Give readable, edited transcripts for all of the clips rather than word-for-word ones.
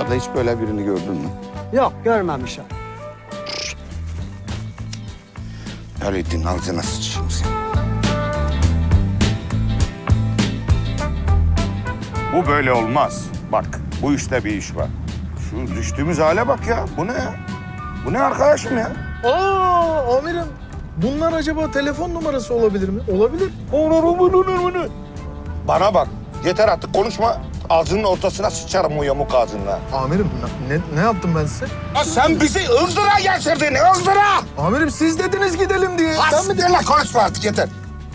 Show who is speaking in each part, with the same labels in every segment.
Speaker 1: Dışarıda hiç böyle birini gördün mü?
Speaker 2: Yok görmemişim.
Speaker 1: Öyleydin ağzına sıçayım seni. Bu böyle olmaz. Bak bu işte bir iş var. Şu düştüğümüz hale bak ya. Bu ne ya? Bu ne arkadaşım ya?
Speaker 3: Aa amirim. Bunlar acaba telefon numarası olabilir mi? Olabilir.
Speaker 1: Bana bak. Yeter artık konuşma. Ağzının ortasına sıçarım o yamuk ağzınla.
Speaker 3: Amirim ne yaptım ben size?
Speaker 1: Ya sen bizi ızdıra getirdin, ızdıra!
Speaker 3: Amirim siz dediniz gidelim diye. Sen mi dedin?
Speaker 1: Hasbinle konuşma artık yeter.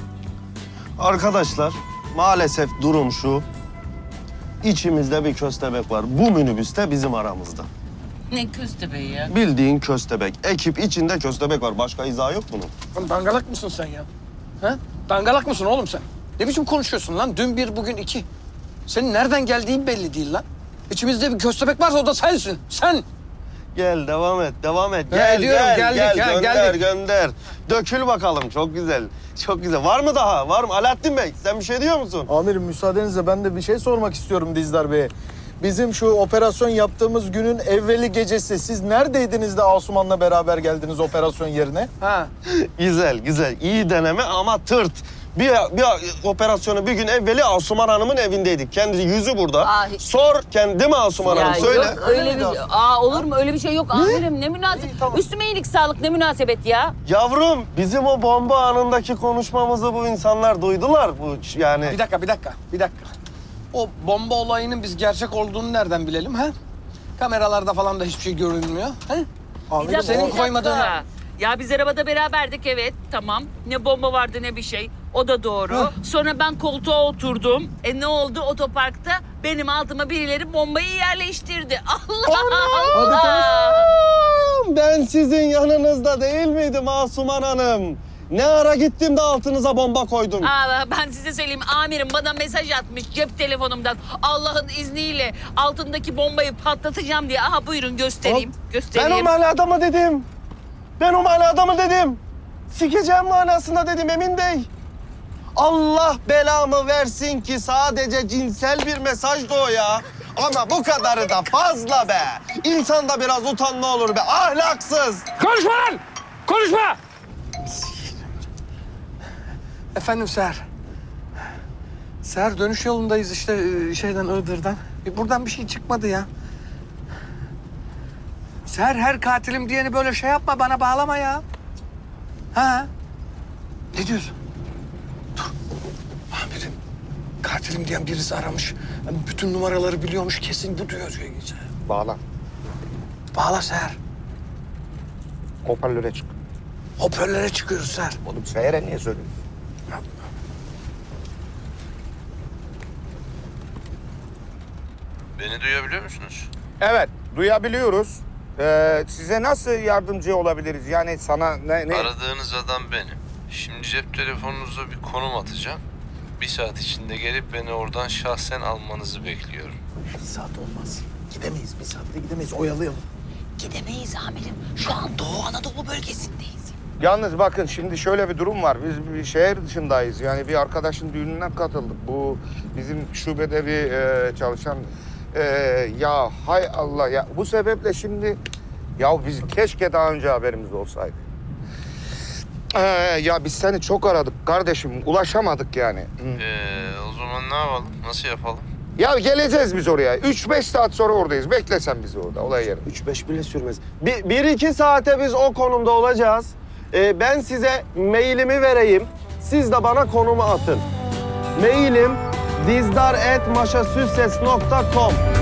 Speaker 4: Arkadaşlar maalesef durum şu. İçimizde bir köstebek var. Bu minibüste bizim aramızda.
Speaker 5: Ne köstebeği ya?
Speaker 4: Bildiğin köstebek. Ekip içinde köstebek var. Başka izahı yok bunun.
Speaker 6: Lan dangalak mısın sen ya? Ha? Dangalak mısın oğlum sen? Ne biçim konuşuyorsun lan? Dün bir, bugün iki. Senin nereden geldiğin belli değil lan. İçimizde bir köstebek varsa o da sensin. Sen!
Speaker 4: Gel devam et, devam et.
Speaker 6: Ha,
Speaker 4: Gel,
Speaker 6: ediyorum,
Speaker 4: gel,
Speaker 6: geldik,
Speaker 4: gel.
Speaker 6: ha,
Speaker 4: Gönder,
Speaker 6: geldik.
Speaker 4: gönder. Dökül bakalım. Çok güzel. Çok güzel. Var mı daha? Var mı? Alaaddin Bey, sen bir şey diyor musun?
Speaker 3: Amirim müsaadenizle ben de bir şey sormak istiyorum Dizdar Bey'e. Bizim şu operasyon yaptığımız günün evveli gecesi siz neredeydiniz de Asuman'la beraber geldiniz operasyon yerine?
Speaker 6: Ha.
Speaker 4: Güzel, güzel. İyi deneme ama tırt. Bir operasyonu bir gün evveli Asuman Hanım'ın evindeydik. Kendi yüzü burada.
Speaker 5: Ay.
Speaker 4: Sor kendi mi Asuman Hanım? Söyle.
Speaker 5: Yok öyle bir olur mu öyle bir şey yok amirim ne münasebet. Üstüme iyilik sağlık ne münasebet ya.
Speaker 4: Yavrum bizim o bomba anındaki konuşmamızı bu insanlar duydular. Bu yani.
Speaker 6: Bir dakika. O bomba olayının biz gerçek olduğunu nereden bilelim ha? Kameralarda falan da hiçbir şey görünmüyor. Ha?
Speaker 5: Bir dakika,
Speaker 6: senin
Speaker 5: bir dakika.
Speaker 6: koymadığını-
Speaker 5: Ya biz arabada beraberdik evet tamam. Ne bomba vardı ne bir şey. O da doğru. Sonra ben koltuğa oturdum. Ne oldu otoparkta? Benim altıma birileri bombayı yerleştirdi. Allah Allah.
Speaker 4: Ben sizin yanınızda değil miydim Asuman Hanım? Ne ara gittim de altınıza bomba koydum.
Speaker 5: Ben size söyleyeyim amirim bana mesaj atmış cep telefonumdan. Allah'ın izniyle altındaki bombayı patlatacağım diye. Aha buyurun göstereyim.
Speaker 4: Ben
Speaker 5: Göstereyim.
Speaker 4: o manadamı dedim. Ben o manadamı dedim. Sikeceğim manasında dedim Emin Bey. Allah belamı versin ki sadece cinsel bir mesajdı o ya. Ama bu kadarı da fazla be. İnsanda biraz utanma olur be. Ahlaksız.
Speaker 6: Konuşma lan! Konuşma! Efendim Seher. Seher dönüş yolundayız işte şeyden Iğdır'dan. Buradan bir şey çıkmadı ya. Seher her katilim diyeni böyle şey yapma bana bağlama ya. Ha? Ne diyorsun? Dur. Amirim. Katilim diyen birisi aramış. Yani bütün numaraları biliyormuş kesin bu diyor.
Speaker 1: Bağla.
Speaker 6: Bağla Seher.
Speaker 1: Hoparlöre çık.
Speaker 6: Hoparlöre çıkıyoruz Seher.
Speaker 1: Oğlum Seher'e niye söylüyorsun?
Speaker 7: Beni duyabiliyor musunuz?
Speaker 1: Evet, duyabiliyoruz. Size nasıl yardımcı olabiliriz? Yani sana ne?
Speaker 7: Aradığınız adam benim. Şimdi cep telefonunuza bir konum atacağım. 1 saat içinde gelip beni oradan şahsen almanızı bekliyorum.
Speaker 3: Bir saat olmaz. Gidemeyiz bir saatte gidemeyiz oyalayalım.
Speaker 5: Gidemeyiz amirim. Şu an Doğu Anadolu bölgesindeyiz.
Speaker 1: Yalnız bakın şimdi şöyle bir durum var. Biz bir şehir dışındayız. Yani bir arkadaşın düğününe katıldık. Bu bizim şubede bir çalışan... ya hay Allah ya. Bu sebeple şimdi... Ya biz keşke daha önce haberimiz olsaydı. Ya biz seni çok aradık kardeşim. Ulaşamadık yani.
Speaker 7: O zaman ne yapalım? Nasıl yapalım?
Speaker 1: Ya geleceğiz biz oraya. 3-5 saat sonra oradayız. Bekle sen bizi orada olay yerinde.
Speaker 4: 3-5 bile sürmez. 1-2 saate biz o konumda olacağız. Ben size mailimi vereyim. Siz de bana konumu atın. Mailim dizdar@maşasüsses.com.